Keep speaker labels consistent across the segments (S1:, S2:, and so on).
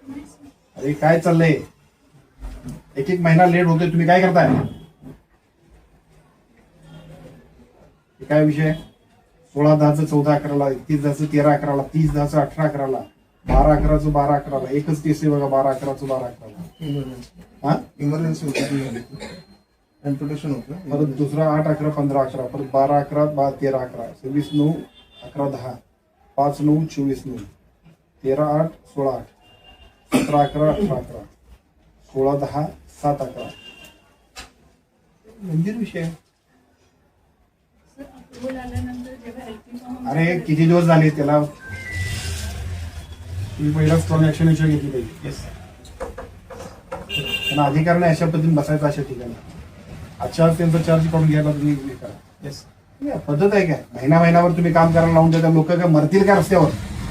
S1: अरे काय चाललंय? एक एक महिना लेट होतोय, तुम्ही काय करताय? काय विषय? 16/10 14/11, 31/10 13/11, 30/10 18/11, 12/11 12/11, एकच केस आहे बघा, 12/11 12/11. हा,
S2: इमर्जन्सी होती, इन्फर्मेशन होतं.
S1: परत दुसरा 8/11 15/11, परत 12/11 13/11, 26/9 11/10, 5/9 24/9, 13/8 16/8, 17/11 18/11, 16/10 7/11. गंभीर विषय. अरे किती दिवस झाले त्याला? तुम्ही पहिला स्ट्रॉंग ऍक्शन विषय घेतली पाहिजे. त्यांना अधिकार नाही अशा पद्धतीने बसायचं अशा ठिकाणी. अच्छा त्यांचा चार्ज काढून घ्यायला तुम्ही करा. पद्धत आहे काय? महिनाभर तुम्ही काम करायला लावून देता, लोक काय मरतील का रस्त्यावर?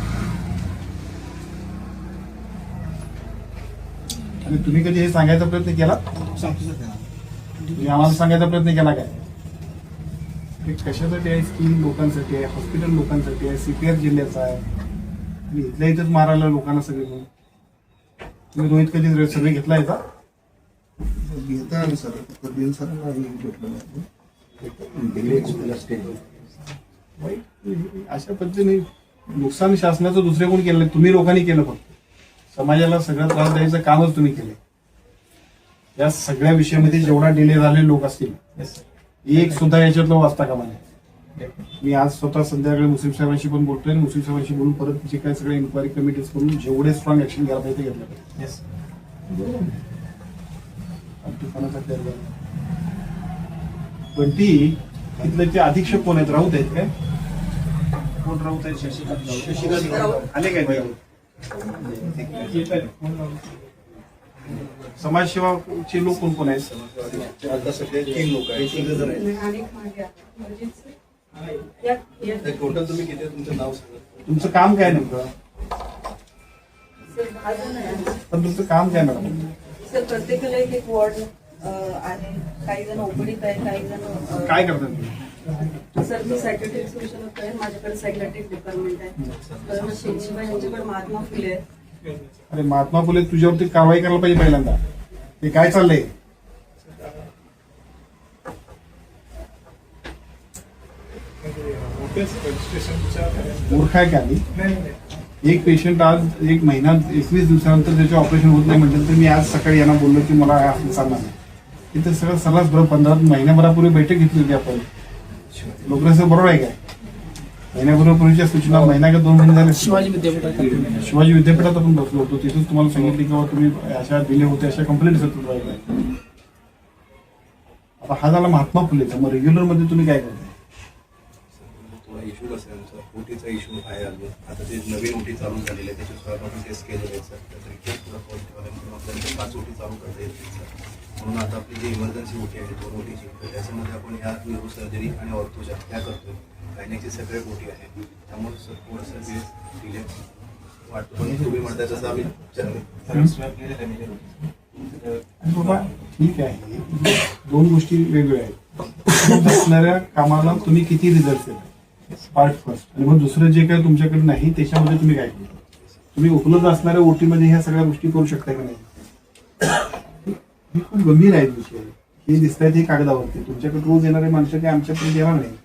S1: आणि तुम्ही कधी हे सांगायचा प्रयत्न केला? तुम्ही आम्हाला सांगायचा प्रयत्न केला काय? हे कशासाठी आहे? स्कीम लोकांसाठी आहे, हॉस्पिटल लोकांसाठी आहे, CPR जिल्ह्याचा आहे, आणि इथल्या इथंच मारायला लोकांना सगळे म्हणून. तुम्ही रोहित कधी सर्वे घेतला याचा?
S2: घेता आलं सर, बिल सरांना भेटलं
S1: अशा पद्धतीने नुकसान शासनाचं दुसरे कोण केलं? तुम्ही लोकांनी केलं. फक्त समाजाला सगळं त्रास द्यायचं कामच तुम्ही केले. या सगळ्या विषयामध्ये जेवढा डिले झालेले लोक असतील, एक सुद्धा याच्यातलं वाचता कामा नये. मी आज स्वतः संध्याकाळी मुस्लिम साहेबांशी पण बोलतोय, आणि मुस्लिम साहेबांशी बोलून परत जे काही सगळे इन्क्वायरी कमिटीज करून जेवढे स्ट्रॉंग ऍक्शन घ्यायला पाहिजे घेतलं पाहिजे. पण ती तिथले ते अधीक्षक कोण आहेत? राऊत आहेत काय? कोण राऊत आहेत? शशिकांत आले काय? समाजसेवाचे लोक कोण कोण आहेत?
S2: आता सध्या 3 लोक आहेत. टोटल तुम्ही किती? तुमचं नाव सांगा.
S1: तुमचं काम काय नेमकं? पण तुमचं काम काय मॅडम?
S3: सर, प्रत्येकाला एक वॉर्ड आहे. काही जण ओपडीत आहे, काही जण
S1: काय करतात तुम्ही?
S3: सर, मी सायकॅट्रिक सोल्युशन आहे. माझ्याकडे सायकॅट्रिक डिपार्टमेंट आहे. तर शेजीबाई यांच्याकडे महात्मा फुले आहे.
S1: अरे महात्मा फुले तुझ्यावरती कारवाई करायला पाहिजे पहिल्यांदा. ते काय चाललंय? मूर्ख आहे का? एक पेशंट आज 1 महिना 21 दिवसानंतर त्याचे ऑपरेशन होत नाही म्हटलं तर मी आज सकाळी यांना बोललो की मला असं चालणार नाही. इथं सगळं सर्रास बरोबर 15 महिन्याभरापूर्वी बैठक घेतली होती आपण. लोकसं बरोबर आहे काय? महिन्याभरापूर्वीच्या सूचना महिना का 2 महिने झाले शिवाजी विद्यापीठात आपण बसलो होतो. तिथून तुम्हाला सांगितलं की बाबा तुम्ही अशा डिले होते, अशा कंप्लेंट होत राहिल्या. आता हा झाला महात्मा फुलेचा. मग रेग्युलर मध्ये तुम्ही काय करताय?
S2: इश्यू कसं आहे आमचा ओटीचा इश्यू आहे. अजून आता ते नवीन ओटी चालू झालेली आहे, त्याचे स्वतःपासून टेस्ट केलेले आहेत सर. तर रिपोर्ट पुढे पॉझिटिव्ह आले म्हणून आपल्याला 5 ओटी चालू करता येतील सर. म्हणून आता आपली जी इमर्जन्सी ओटी आहे 2 ओटीची, तर त्याच्यामध्ये आपण ह्या न्यूरो सर्जरी आणि ऑर्थोच्या ह्या करतोय. गायनेकची सेपरेट ओटी आहे. त्यामुळे सर थोडंसं डिले वाटतो. पण तुम्ही म्हणताय तसं आम्ही
S1: बाबा ठीक आहे, 2 गोष्टी वेगवेगळ्या आहेत. असणाऱ्या कामाला तुम्ही किती रिझल्ट देताय, पार्ट फर्स्ट. आणि मग दुसरं जे काही तुमच्याकडे नाही त्याच्यामध्ये तुम्ही काय करता? तुम्ही उपलब्ध असणाऱ्या ओटीमध्ये ह्या सगळ्या गोष्टी करू शकता का नाही? हे खूप गंभीर आहे विषय. हे दिसत आहेत हे कागदावरती. तुमच्याकडे रोज येणारे माणसं काही आमच्यापर्यंत येणार नाही.